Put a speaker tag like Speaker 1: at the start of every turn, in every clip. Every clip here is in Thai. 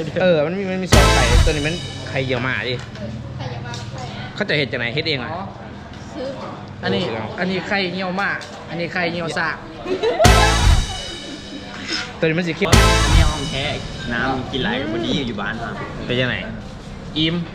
Speaker 1: มันมีซอสไข่ตัวนี้มันไข่เยี่ยวมาดิเขาจะเห็ดจากไหนเห็ดเองอ่ะ
Speaker 2: อันนี้ไข่เงียวมากอันนี้ไข่เงียวซาก
Speaker 1: ตัวนี้มันสีเข้ม
Speaker 3: อันนี้ห้องแท้น้ำกินไหลวันนี้อยู่บ้านครับ
Speaker 1: เป็นยังไงอิ่ม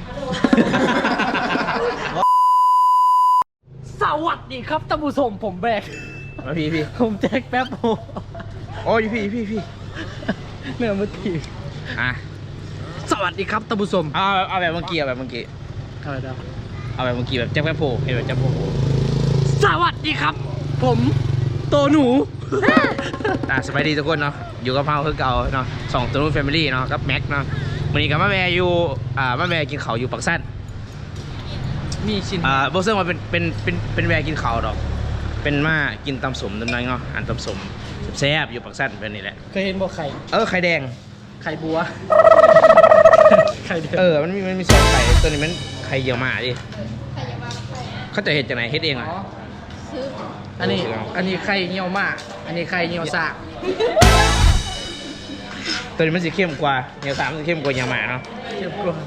Speaker 2: สวัสดีครับท่านผู้ชมผมแบก
Speaker 1: มาพี่
Speaker 2: ผมแจ็คแป๊บโฮ
Speaker 1: โอ้ยพี่
Speaker 2: เนื้อมือถีบสวัสดีครับท่านผู้ชม
Speaker 1: เอาแบบเมื่อกี้
Speaker 2: อะไรดาว
Speaker 1: เอาแบบเมื่อกี้แบบแจ็คแป๊บโผล่เห็นแบบแจ็คโผล่
Speaker 2: สวัสดีครับผมโตหนู
Speaker 1: สบายดีทุกคนเนาะอยู่กับเฮาคือเก่าเนาะ2ตัวนู้นแฟมิลี่เนาะกับแม็กเนาะวันนี้กับมาแวร์อยู่มาแวร์กินข้าวอยู่ปักสั้น
Speaker 2: มีชิ้น
Speaker 1: โบเซิงมาเป็นแวร์กินข้าวดอกเป็นมากินตำสมตำนั้นเนาะอันตำสมแซ่บอยู่ปักสั้นเป็นนี่แหละ
Speaker 2: เคยเห็นบ่ไข่
Speaker 1: ไข่แดง
Speaker 2: ไข่บัวไข่แดง
Speaker 1: มันมีซอสไข่ตัวนี้มันไข่เยี่ยวมาดิเขาจะเห็ดจากไหนเห็ดเองอ่ะ
Speaker 2: อันนี้ไข่เงียวมากอันนี้ไข่เงียวซาก
Speaker 1: ตัวนี้มันสีเข้มกว่าเงียวซากมันสีเข้มกว่าเงียวมาเนาะ
Speaker 2: เข้มกว่า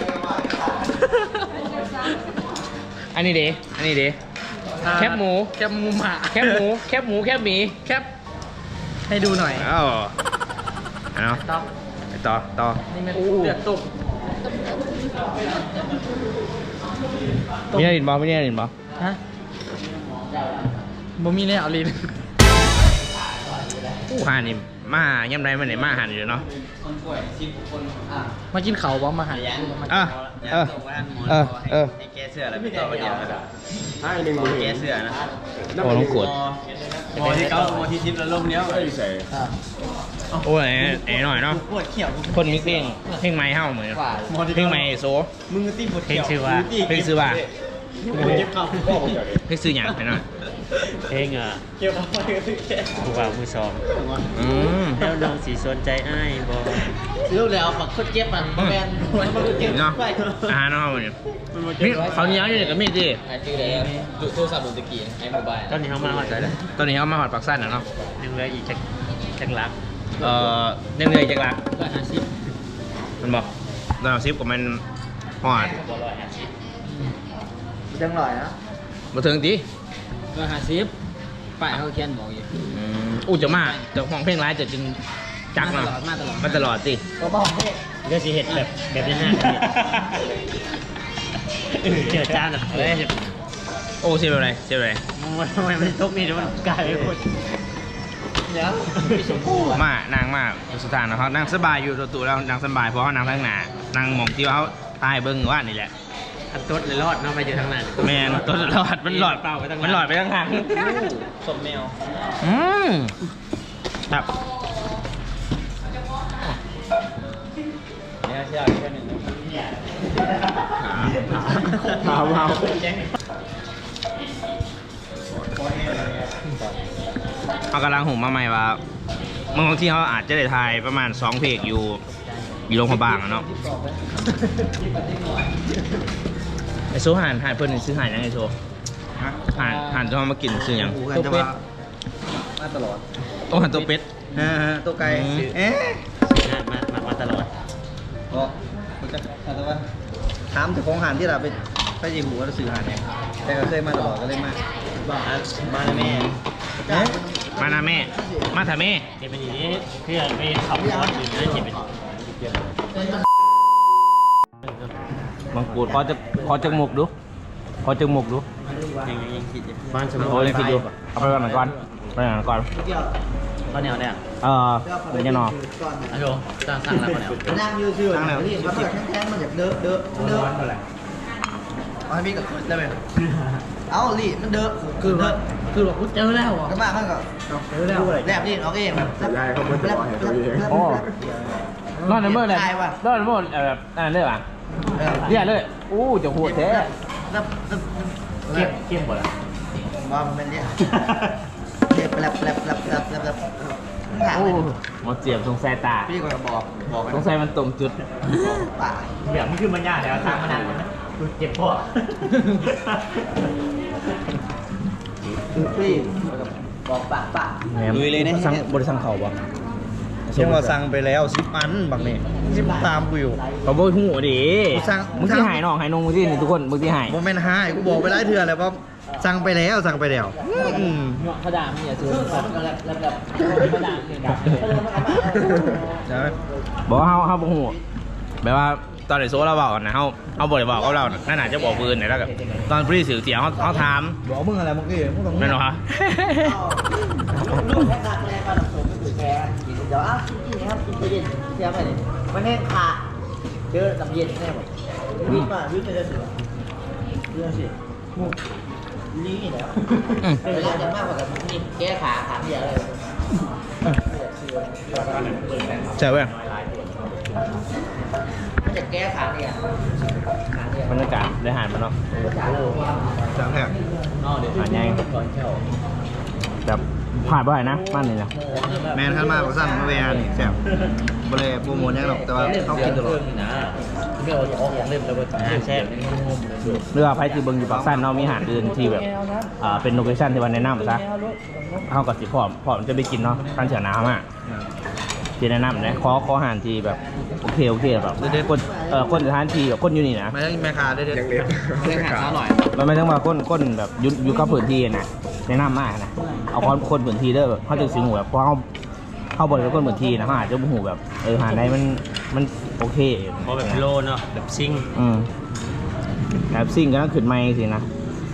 Speaker 1: อันนี้เด้แคบหมู
Speaker 2: หมา
Speaker 1: แคบหมูแคบหมี
Speaker 2: แคบให้ดูหน่อย
Speaker 1: เนาะต่อ
Speaker 2: นี่มันเลือดตุ่ม
Speaker 1: มีอะไรดินบอ
Speaker 2: ฮะบ่มีเลยเอาลิ้น
Speaker 1: ห่านี่มาย่ำไรมันไหนมาหันอยู่เนาะ
Speaker 2: มากินเขาบ่มาหัน
Speaker 3: ให้แกเสื้อแล้วไม่ต่อเดียวนะครับให้หนึ่งแกเสื้อนะ
Speaker 1: โอ้ต้องกด
Speaker 3: มอที่เก้ามอที่10แล้วลมเนี้ยใส่
Speaker 1: โอ้ยหน่อยเนาะคนมิกเพลงไม้เฮ้าเหมือนเพลงไม้โซ
Speaker 3: มึงตีปวด
Speaker 1: เพลงซื้อว่าเพลงซื้ออย่างไปหน่อย
Speaker 4: เพลงผู้บ่าวผู้สองแล้วน้องสีสนใจอ้ายบอ
Speaker 2: รู้แล้วฝักโคตรเจ็บมันแมนมันเจ็บ
Speaker 1: เนาะเนาะมันนี่เขาเนี้ยอยู่กับมีดดิ
Speaker 2: ชื่ออะไรโทรศัพท์ดนตรีไอ้โมบาย
Speaker 4: ตอนนี้เขามาหอดอะไร
Speaker 1: ตอนนี้เขามาหอดปักสั้นเนาะ
Speaker 4: ยังเหลืออีกจักลัก
Speaker 1: ยังเหลือจักลักมันบอก150กับมันหอด
Speaker 2: จังหน่อยนะ
Speaker 1: มาถึงดิ
Speaker 2: 150ป้ายเขาเขียนบอกอยู่
Speaker 1: จะมาจะห้องเพลงร้ายจะจึงจักเนาะมาตลอดสิ
Speaker 2: ก็บอก
Speaker 4: ก็สิเห็ดแบบนี้เจอจ้าแบบ
Speaker 1: โอ้เสียไปเลย
Speaker 4: ทำไมมันทุกนี่มันกลายเป็นคน
Speaker 1: นางมาสุดท้ายนะเขานั่งสบายอยู่ตัวแล้วนั่งสบายเพราะเขานั่งข้างหน้านั่งมองที่เขาตายเบิ้งว่านี่แหละ
Speaker 4: ต้นเลยรอดเนาะไปอยู่ทางนั้น
Speaker 1: แมนต้นรอดมันหลอด
Speaker 4: เปล่าไปทาง
Speaker 1: มันหลอดไปทางทาง
Speaker 3: สมแมว
Speaker 1: ครับ
Speaker 3: เนี่ยเชื่อแค่หนึ่ง
Speaker 1: เขากำลังหุ่มมาใหม่ว่าบางที่เขาอาจจะได้ทายประมาณ2เพลงอยู่โรงพยาบาลเนาะไอโซ่ห่านเพิ่นซื้อห่านยังไอโซ่ห่านจะมากินซื้อยัง
Speaker 2: ตัวเป็ด
Speaker 1: มาตลอดตัวห่านตัวเป็ด
Speaker 2: ตัวไก่
Speaker 4: มาตลอด
Speaker 2: ก็ถามถึงของห่านที่เราไปยิมหัวเราซื้อห่านเนี่ยแต่ก็เคยมาตลอดก็เลยมา
Speaker 3: แม่
Speaker 1: มานะแม่มาถ่าแม่
Speaker 4: เก็บไปอย่างนี้เพื่อไปขับรถอยู่นะเก็บไป
Speaker 1: บางกูดขอจังหมกดู
Speaker 4: ยังคิดบ้านสมุน
Speaker 1: ยังคิดดูเอาไปก่อนก่อน
Speaker 4: ข้าวเหนียวเนี่ย
Speaker 1: เดี๋ยวจะนอน
Speaker 4: ฮัลโหลสั่งแล้วข้าวเหนียว
Speaker 2: นั่งยืดๆนี่มันแบบแข็งๆมันแบบเด้อเอาให้พี่กับได้ไหมเอาลี่มันเด้อคือแบบเจอแล้วก็มามันก็เจอแล้วแลบดิเอาเองแบบได้เขาไม่ได้
Speaker 1: นอนในเมื่อไรนอนในเมื่อแบบนั่นเลยป่ะเรียกเลยจะโหดแท้
Speaker 4: เข้มหมดละ
Speaker 2: ว่ามันเป็นเนี่ยแปลบ
Speaker 1: หมดเจียบสงสัยตา
Speaker 2: พี่ก็บอก
Speaker 1: สงสัยมันตรงจุด
Speaker 2: ป่า
Speaker 4: แบบนี้คือมันยากแล้วทางมันนานนะเจ็บพ่อ
Speaker 2: พี่บอกป่า
Speaker 1: ลุยเลยนะบริษัทเขาบ่
Speaker 2: เชื่อว่าสั่งไปแล้ว10 อันบางนี่10ตามกูอยู่
Speaker 1: เขาบอกหูดิ
Speaker 2: สั่ง
Speaker 1: มึงที่หายน้องหายนงมึงที่นี่ทุกคนมึงที่หาย
Speaker 2: โมเมนต์ห้ากูบอกไปหลายเทื่อแล้วว่าสั่งไปแล้วอืม
Speaker 4: เขาด่ามึงอย่าซื้อแล้วเขาด่ามึงด่า
Speaker 2: ใช่ไหม
Speaker 1: บอกว่าเขาบอกหูแบบว่าตอนไหนโซ่เราบอกนะเขาบอกบอกกับเรานั่นอาจจะบอกปืนไหนแล้วกับตอนพรีสื่อเสียงเขาถาม
Speaker 2: บอกมึงอะไรเมื่อกี้มึงต้อง
Speaker 1: นั่นเหรอฮะ
Speaker 2: ลูกแค่ตักแรงมาผมไม่ถือแกกินเดี๋ยวกินนะครับกินเย็นเสียไปเลยมันแห้งขาเจอน้ำเย็นแน่หมดวิ่งมาวิ่งไปจะเสือเรื่องสินี่แล้วเวลาจะมากกว่ากับนี่แก้ขาเดียวเลย
Speaker 1: ใช่เว้ย
Speaker 2: มันจะแก้ขาเนี่ย
Speaker 1: บรรยากาศได้หารมันเนาะ
Speaker 2: จังแหก
Speaker 1: หารยังแบบผ่านบ่อยนะมันนี่นะ
Speaker 2: แมนขั้นมากกว่าสั้นมาเวียนี่แซ่บบ่เลยโปรโมทยังหรอกแต่ว่าเขากินตลอด
Speaker 4: เดี๋ยวออกอย่างเล่มแล้วแซ่บ
Speaker 1: เรือไพ่ที่เบิ้งอยู่ปากสั้นเนาะมีอาหารอื่นที่แบบเป็นโลเคชั่นที่วันแนะนำซะเขากับสิพร้อมจะไปกินเนาะการเสียน้ำอ่ะที่แนะนำนะขออาหารที่แบบโอเคแบบคนสถานที่แบบคนอยู่นี่นะ
Speaker 2: ไม่ใช่แม่ค้าได้เด็ด
Speaker 3: ยังเล็บ
Speaker 2: เรื่องขาอร่อย
Speaker 1: มันไม่ต้องมาคนแบบอยู่กับพื้นที่นะแนะนำมากนะเอาคนพื้นที่เด้อแบบเขาจะสิงหูแบบเพราะเขาบริเวณคนพื้นที่นะเขาอาจจะหูแบบหาได้มันโอเค
Speaker 4: เพราะแบบโลเนาะแบบซิ่ง
Speaker 1: แบบซิ่งก็ต้องขึ้นไม้สินะ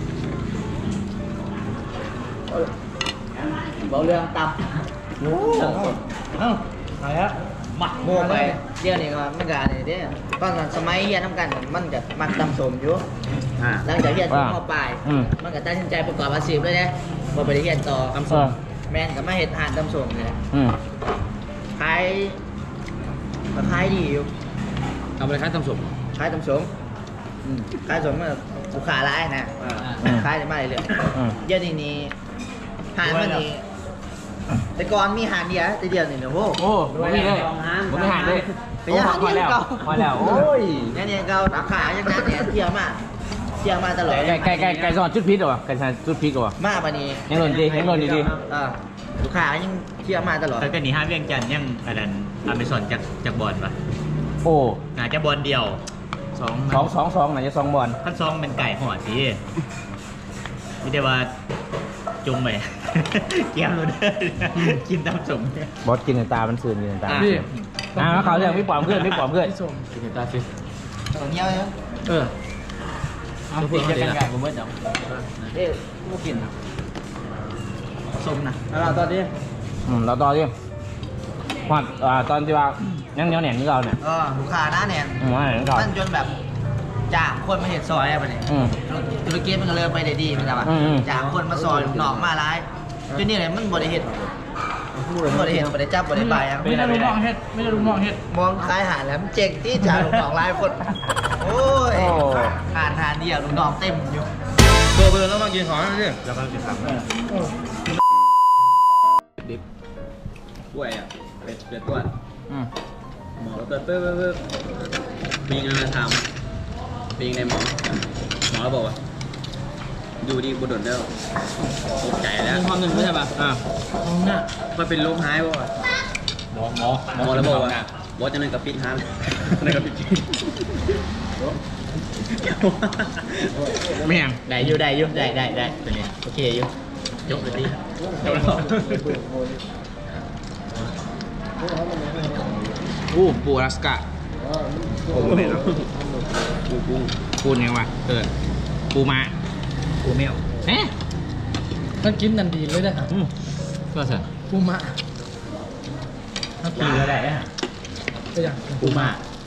Speaker 2: บอกเรื่องตับโอ้อะไรฮะหมักโม่ไปเดี๋ยวนี้ก็มันก็นี่เด้ตอนนั้นสมัยเรียนทำกันมันก็มักตำสมอยู่หลังจากเรียนจบม.ปลายมันก็ตัดสินใจประกอบอาชีพเลยนะบ่ไปเรียนต่อตำสมแม่นก็มาเฮ็ดอาหารตำสมนี่แหละขายดีอยู่
Speaker 1: เอาไปค่ายตำสม
Speaker 2: ขายตำสมขายสมมันลูกค้าร้ายนะขายได้มาเรื่อยๆเดี๋ยวนี้หารมันนี่แต่ก่อนมีหารเดียวแต่เดียวนี่นะโว้
Speaker 1: โอ้ไม่มีเลยไม่หาเลย
Speaker 2: เป็นยัง
Speaker 1: พอแล้วพอแล้วโอ้ย
Speaker 2: เนี่ยเก่าราคาอย่างนั้นเนี่ยเที่ยวมาตลอด
Speaker 1: ไก่ซอสชุดพริกเหรอไก่ซอสชุดพริกเหรอ
Speaker 2: มาปะนี้
Speaker 1: ยังหล่นดีดี
Speaker 2: ลูกค้ายังเที่ยวมาตลอด
Speaker 4: แล้วก็นี่ห้าเวียงจันทร์ยังอันนั้นอเมซอนจากบอลปะ
Speaker 1: โอ้
Speaker 4: งานจะบอลเดียว
Speaker 1: สองไหนจะ2 บอล
Speaker 4: ขั้นซองเป็นไก่ห่อสินี่ได้ว่าจุ่มไป เกี่ยวเลยกินตามสม
Speaker 1: บอสกินตามันสื่นกินตาเขาเรื่องพี่ปอมเพื่อนกินตาสิ
Speaker 2: ตรงเงี้ยเลย
Speaker 4: ติดจะกันไก่ผมไม่จ
Speaker 2: เอ๊ะกูกินสมนะแล้วตอนนี้
Speaker 1: เราต่อดิว่าตอนที่ว่ายังเหนียวแหน่นที่เราเนี่ย
Speaker 2: ลูกค้าหน้าแน่น
Speaker 1: ว่าแหน่นก่อน
Speaker 2: มันจนแบบจากคนมาเห็นซอยอะไรเนี่ยธุรกิจมันก็เริ่มไปได้ดีมันแบบว่าจากคนมาซอยหนองมาร้ายจนนี่เลยมันบริเหตุบริจับบริบาย
Speaker 1: ไม่ได้ลูกน้องเฮ็ด
Speaker 2: มองคล้ายหาแล้วมันเจ๋งที่จากลูกน้องร้ายคนโอ้ยหาเดียวลูกน้องเต็มอยู่ตัวเบอร์แล้วมากินของนั่นสิ
Speaker 4: ำแล้วก็จะทำ
Speaker 3: กล้วยอ่ะเป็ดตัวหมอเติร์มีงานมาทำปีงในหมอแล้วบอกว่าอยู่ดีบุดดแล้วตกใจแล้วมีความหนึ่งไม่ใช่ป่ะมันเป็นโรคหายป่ะหมอแล้วบอกว่าบอสจะนั่นกับปิดฮันนั่นกับปิด
Speaker 1: ไม่ยัง
Speaker 4: ได้ตัวนี้โอเคอยู่ยกเลยดิ
Speaker 1: ปูอลาสก้าปูยังวะปูมาปูเมลเอ๊ะ
Speaker 5: มันกินนันดีเลยนะครับ
Speaker 1: ก็เสร็จ
Speaker 5: ปูมะ
Speaker 4: กินก็ได้ฮะ
Speaker 5: ก็อย่าง
Speaker 4: ปูมา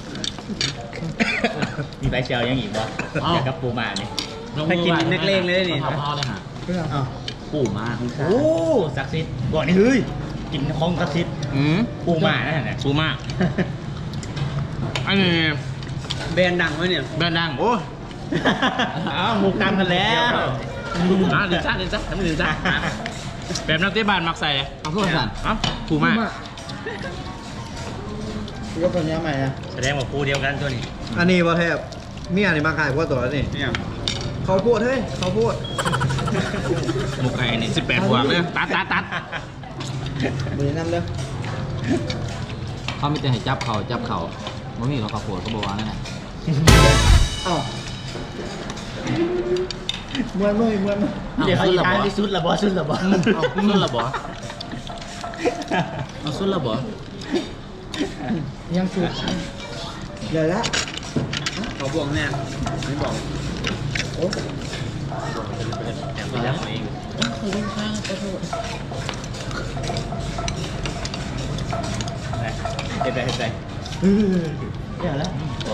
Speaker 4: มีใบเชลยังอีกวะอยากกับปูมาเนี่ยถ้ากินนักเลงเลยนี่
Speaker 5: ก็อย่าง
Speaker 4: ปูมาโอ้ศักดิ์สิทธิ์บอกนี่เฮ้ยกินของศักดิ์สิทธิ์ปูมานะเนี่ย
Speaker 1: ปูมาอันนี้
Speaker 3: แบรนด์ดังไหมเนี่ย
Speaker 1: แบรนด์ดังโอ้
Speaker 4: อ้าวหมูกตามกันแล้ว
Speaker 1: ดินซ่าทำดินซ่าแบบนักเตะบาสมักใส่เอาเพื่อนสั่นปูมา
Speaker 2: ก็เป็นยังไงนะ
Speaker 4: แสดงว่าปูเดียวกันตัวนี้
Speaker 2: อันนี้ว่าแทบเมียนี่มาขายพวกตัวแล้วนี่
Speaker 3: เนี่ย
Speaker 2: เขาพูดเฮ้ยเขาพูด
Speaker 1: หมกไก่นี่18 บวกเลยตัด
Speaker 2: มือน้ำเด้อ
Speaker 4: เขาไม่ได้ให้จับเขาไม่มีหรอกข้าวโพดเขาบอกว่านั่นแหละ
Speaker 2: เอ้าเมื่อย
Speaker 4: เดี๋ยวเขาจะทานที่สุดละบ่สุดละบ่เอาสุดละบ่เอาสุดละบ่
Speaker 5: ยังสุด
Speaker 2: เดี๋ยวละ
Speaker 3: เขาบวกแน่ไม่บอก
Speaker 2: โอ้
Speaker 4: ไปแล้วเอง
Speaker 5: เขาเล่นข้างขอโทษ
Speaker 4: เฮ็ดได้
Speaker 2: เดี๋ยวละ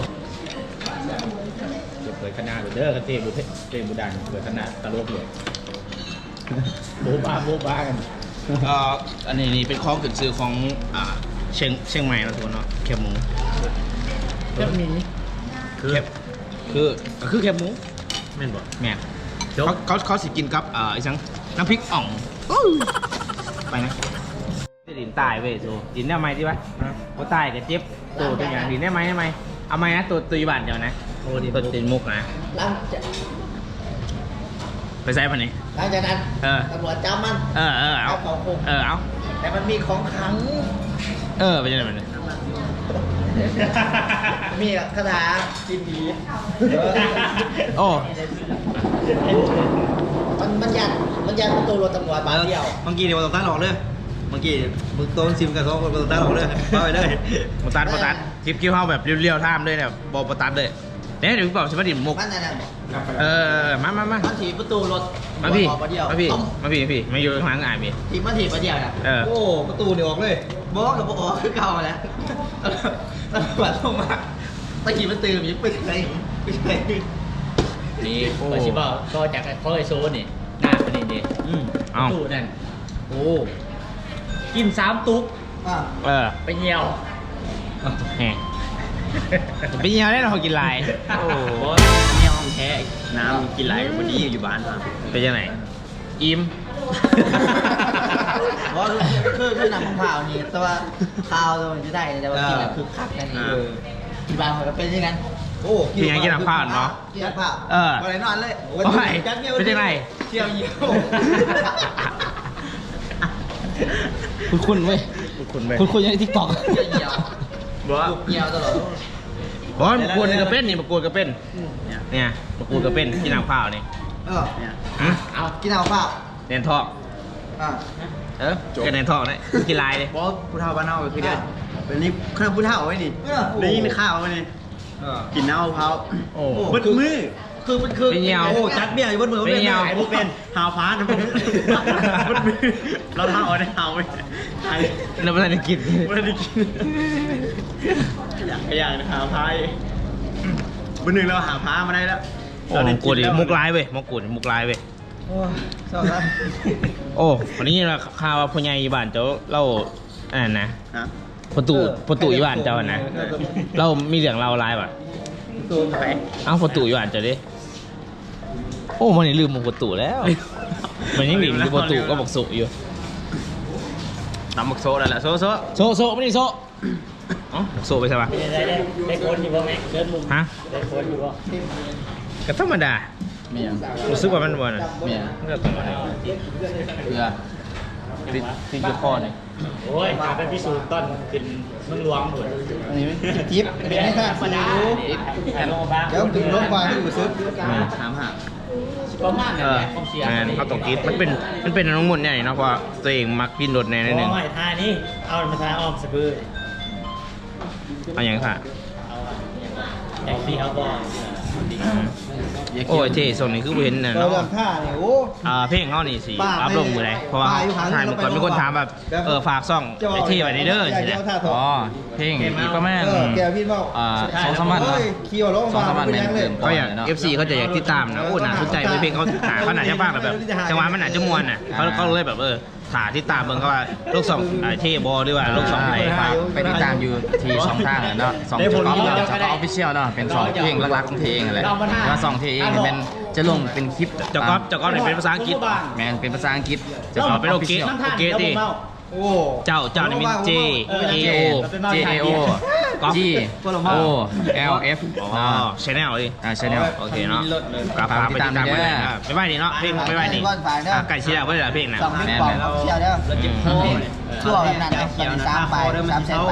Speaker 4: เปิดขนาดเด้อเตะบุดันเปิดขนาดตลกเลยโบ๊ะบ้ากัน
Speaker 1: อันนี้เป็นข้อขึ้นชื่อของเชียงใหม่นะทุกคนเนาะแคบหมู
Speaker 5: แค่มี
Speaker 1: คือแคบหมู
Speaker 4: แม่นบ่
Speaker 1: แม่นเขาสิกินกับไอ้สังน้ำพริกอ่องไปนะดินตายเว้ยสูดินได้ไหมที่วะเขาตายกับเจ็บตัวตัวอย่างดินได้ไหมเอาไหมนะตัวอีบานเดียวนะโอ้ดิตัวตินมุกนะ
Speaker 2: หลังจาก
Speaker 1: ไปใส่ปันนี้
Speaker 2: หลังจากนั้น ตำรวจจับมัน
Speaker 1: เอา
Speaker 2: ของคุม
Speaker 1: เอา
Speaker 2: แต่มันมีของขลัง
Speaker 1: ไปยังไงมัน
Speaker 2: มีคาถากินผี
Speaker 1: โอ้
Speaker 2: มันยันประตูรถตำรวจบานเดียว
Speaker 3: เมื่อกี้เนี่ยเราต้องตั้งหลอกเลยเมื่อกี้มึงโต้นซิมกับสองคนเราต้องตั้งหลอกเลยเข้าไปเลย
Speaker 1: มาตัดคลิปคิ้วเข้าแบบเรียวๆท่ามเลยเนี่ยบอกมาตัดเลยเนี่ยเดี๋ยวพี่บอกใช่ไหมดินมุก
Speaker 2: มันนั่นน่ะ
Speaker 1: มา
Speaker 2: มันถีบประตูรถ
Speaker 1: มาพี่
Speaker 2: ออกมาเดียว
Speaker 1: มาพี่มาอยู่ข้างหลังอ่านพี่
Speaker 2: ถีบมาเดียวนะ
Speaker 3: โอ้ประตูเนี่ยออกเลย
Speaker 2: บอกกับบอกคือเก่าแล้วตำรวจลงมาตะกี้มันตื่นยิ่งปิดเลย
Speaker 4: นี่ไปสิบ่ก็จากเขาไอโซนี่หน้าเป็นนี่
Speaker 1: เอา
Speaker 4: ตู้นั่นโอ้กิน3ตุ๊ก
Speaker 1: ไปเหี่ยวแหมไปเหี่ยวได้เรากินลายโอ้
Speaker 3: โอ้เนี่ยห้องแท้น้ำกินไหลวันนี้อยู่บ้านมา
Speaker 1: เป็นยังไงอิ่ม
Speaker 2: เพราะคือหนังของข่าวนี่แต่ว่าข่าวมันจะได้แต่ว่ากินแล้วคือคักนั่นเองที่บ้านมันก็เป็นอย่างนั้น
Speaker 3: โอ้
Speaker 1: กินยังกินน้ำข้าวเนาะ
Speaker 2: กินน้ำข้าว
Speaker 3: อะไรนอนเลย
Speaker 1: เป็นยังไง
Speaker 3: เที่ยวเยี่ยว
Speaker 1: คุณเว้ยคุณยังทิกตอก
Speaker 2: เหี่ยว
Speaker 3: บอกว่า
Speaker 2: เหี่ยวตลอด
Speaker 1: บอลมะกรูดกระเป็นนี่มะกรูดกระเป็นเนี่ยมะกรูดกระเป็นกินน้ำข้าวนี่
Speaker 3: เนี่ย
Speaker 2: เอากินน้ำข้าว
Speaker 1: เนนทอกกันเนนทอกเนี่ยกินลายเลย
Speaker 3: บอกผู้เฒ่าบ้านเฮาคือเดียวเป็นนี่เครื่องผู้เฒ่าไว้นี่ได้ยินข่าวไว้นี่กินน้ำมะพร้าว
Speaker 1: โอ้
Speaker 3: บดมือ
Speaker 2: คือมันคือ
Speaker 1: เป็นเหี่ยว
Speaker 3: โอ้จัดเบี้ยอยู่บนมือ
Speaker 1: เป็นเหี่ยว
Speaker 3: ไอ้พวกเป็นหาวฟ้านะพวกบดมือเราเฒ่าเอาได้เฒ่าไว้ไอ้
Speaker 1: เราไม่ได้กิน
Speaker 3: ไม่ได้กินอย่างหาพายบนหนึ่งเราหาพามาได้แล้ว
Speaker 1: โอ้มะกรูดมุกลายเว้ยมะกรูดมุกลายเว้ย
Speaker 2: โอ้ชอบครับ
Speaker 1: โอ้วันนี้เราข่าวว่าพ่อใหญ่อีบ้านเจ้าเราอ่านนะ
Speaker 3: นะ
Speaker 1: ประตูอีบ้านเจ้าอะนะเรามีเรื่องเราลายป่ะ
Speaker 2: ตัวไหน
Speaker 1: เอ้าประตูอีบ้านเจ้าดิโอ้มันนี่ลืมหมกประตูแล้วมันยังหนีอยู่ประตูก็บอกโซอยู่
Speaker 3: ตำบักโซได้แหละโซ
Speaker 1: โซไม่ได้โซอ๋อโซไปใช่ปะ
Speaker 4: ได้คนอยู่บ่แม่เชิญมุม
Speaker 1: ฮะ
Speaker 4: ได้คนอยู่บ่
Speaker 1: ก็ธรรมดา
Speaker 4: เมีย
Speaker 1: รู้สึกว่ามันวัน
Speaker 4: เมีย
Speaker 1: เลือกธรรมดา
Speaker 4: เพื่อ
Speaker 1: ติดอยู่คอเนี่ย
Speaker 4: โอ้ยไปพิสูจน์ต้นขึ้นเมืองหลวงหมด
Speaker 2: อันนี้จิ๊บเป็นไม่ทราบสิว เดี๋ยวถึงโรงพยาบาลที่อยู่ซึก
Speaker 3: ถามหา
Speaker 4: ประมาณนั้นแหละความเสีย
Speaker 1: แมนเขาต้องคิดมันเป็นน้องมุ่นเนี่ยเนาะเพราะตัวเองมักกินรถแน่นิดนึง
Speaker 4: โอ้ยท่านี้เอามาทาออมสะบือ
Speaker 1: เอาอย่างค่ะ
Speaker 4: อย่างที่เขาบอก
Speaker 1: โอ้ยเท่ส่วนนี้คือบ่เห็นน่ะ
Speaker 2: เรา
Speaker 1: เนาะ
Speaker 2: ทำท่าเนี่ยโอ้
Speaker 1: เพลงเขานี่สิ
Speaker 2: ป้า
Speaker 1: อัพลงมือไหนเพราะว่า
Speaker 2: ป้าอยู่ข้าง
Speaker 1: ถ่ายเมื่อก่อนมีคนถามแบบฝากซ่องไอ้เท่ไว้ในเด้อใช่ไหม
Speaker 6: อ๋อเพลงอีกประมาณ
Speaker 2: แกพี่บอก
Speaker 6: 2-3 วัน
Speaker 2: เฮ้ยขี่รถโรงพยาบาล
Speaker 6: 2-3 วัน
Speaker 2: เป็นยังเลย
Speaker 1: ก็อยาก FC เขาจะอยากติดตามนะโอ้น่าสนใจเพลงเขาเขาหนาจะฟังแบบจังหวะมันหนาจะมวนน่ะเขาเลยแบบถ่ายติดตามเบิ่งเขาว่าลูกสองเท่บอหรือว่าลูกสองไหน
Speaker 6: ไปติดตามอยู่ที่2 ทางเนาะ2ช่องออฟฟิเชียลเนาะเป็น2เพลงหลักๆของเพลงอะไรแล้ว2เพลงนี่เป็นจะลงเป็นคลิป
Speaker 1: เจ้าก๊อฟเนี่ยเป็นภาษาอังกฤษ
Speaker 6: แมนเป็นภาษาอังกฤษ
Speaker 1: เป็นโอเคดิ
Speaker 2: โอ้
Speaker 1: เจ้านี่เป็น J A O
Speaker 6: J A O
Speaker 1: ก๊อฟ
Speaker 6: G O L F
Speaker 1: อ๋อชแนลดิ
Speaker 6: ชแนล
Speaker 1: โอเคเนาะกลับไปติดตามไปเลยไม่ไหวนี่เนาะเพลงไม่ไหวนี่ไก่ชีดาวก็ได้เพลงนะ
Speaker 2: สองเม็ดปองเชียวเด้อ
Speaker 4: เราจิบคอ
Speaker 2: ชั่วนั้นนะมัน3 ปลาย3 แสนปลาย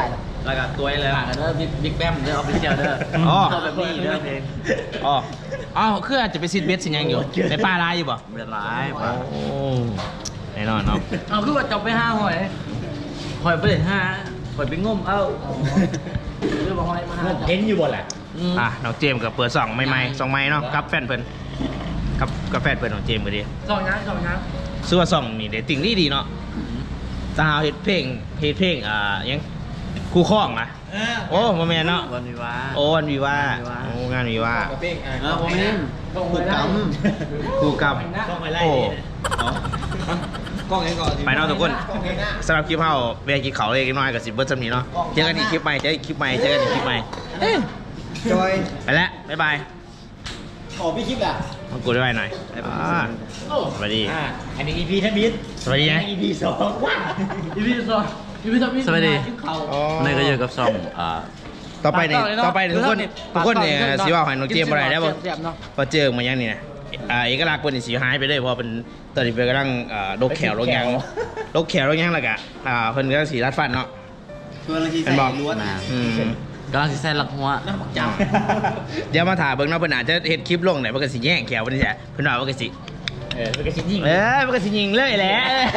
Speaker 3: แล้วก็ตัวเลย
Speaker 4: ฝากกันเด้อบิ๊กแบมเด้อออฟฟิเชียลเด้อ
Speaker 1: อ๋อ
Speaker 4: เข้าแบบนี้เด้อเพลง
Speaker 1: อ๋ออ้าวคืออาจจะไปซิดเบสสิยังอยู่ในป่าลายอยู่บ่
Speaker 3: เป็นร้ายป่ะ
Speaker 1: โอ้แน่นอนเนาะ
Speaker 4: เอาคือว่าจับไป5หอยหอยไปเลย5หอยไปงมเอ้าเรื่องหอยมา5
Speaker 5: เห็นอยู่บ่แหละ
Speaker 1: อ่ะน้องเจมส์กับเปิด2ใหม่ๆ2ใหม่เนาะกับแฟนเพิ่นกับแฟนเพิ่นของเจมส์ก็ดี
Speaker 4: สองยัง
Speaker 1: ซื้อว่า2นี่เดตติ้งดีเนาะสาวเฮ็ดเพลงยังคู่ข้องนะโอ้บ่แม่นเนาะ
Speaker 4: วันวิวา
Speaker 1: โอ้วันวีว่าโอ้งานวีว่า
Speaker 3: ผมเอง
Speaker 2: ผูกก
Speaker 1: คู่กับโอ้
Speaker 3: กล้องเองก่อน
Speaker 1: ไปเนาะทุกคนสำหรับคลิปเฮาเวลากินข้าวเล็กน้อยก็สิเบิดจำนี้เนาะเจอกันอีกคลิปใหม่เจอกันอีกคลิปใหม่
Speaker 2: ำจอย
Speaker 1: ไปแล้วบ๊ายบาย
Speaker 2: ขอพี่คลิปอ่ะ
Speaker 1: มากูด้วยหน่อยสวัสดี
Speaker 5: อันนี้ EP ท่านบิด
Speaker 1: สวัสดีนะ
Speaker 5: EP 2ว้า
Speaker 4: อีพีสองสวัสดีวันนี้ก็อยู่กับซอง
Speaker 1: ต่อไปทุกคนเนี่ยสิว่าให้น้องเจมส์อะไรได้บ่พอเจอมายังนี่นะเอกลักษณ์เพิ่นนี่สิหายไปเลยเพราะเป็นตอนนี้เพิ่นกำลังลกแขวลกหยังลกแขวลกหยังแล้วก็เพิ่นก็สิรัดฟันเนาะ
Speaker 2: ชวนเราที
Speaker 1: เป็
Speaker 2: ใส่
Speaker 1: นบอก
Speaker 2: ล้วน
Speaker 4: กำลังสิใส่หลักหัว
Speaker 1: เดี๋ยวมาถ่ายเบิ่งเนาะเพิ่นอาจจะเฮ็ดคลิปลงไหนเพิ่นก็สิแย่งแขวเพิ่นนี่แหละเพิ่นว่าเพิ่นก็สิ
Speaker 5: มันก็ชิ้นยิ่ง
Speaker 1: มันก็สิยิงเลยแหละ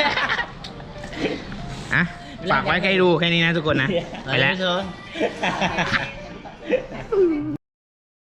Speaker 1: อ่ะฝากไว้ใครดูแค่นี้นะทุกคนนะ ไปแล้ว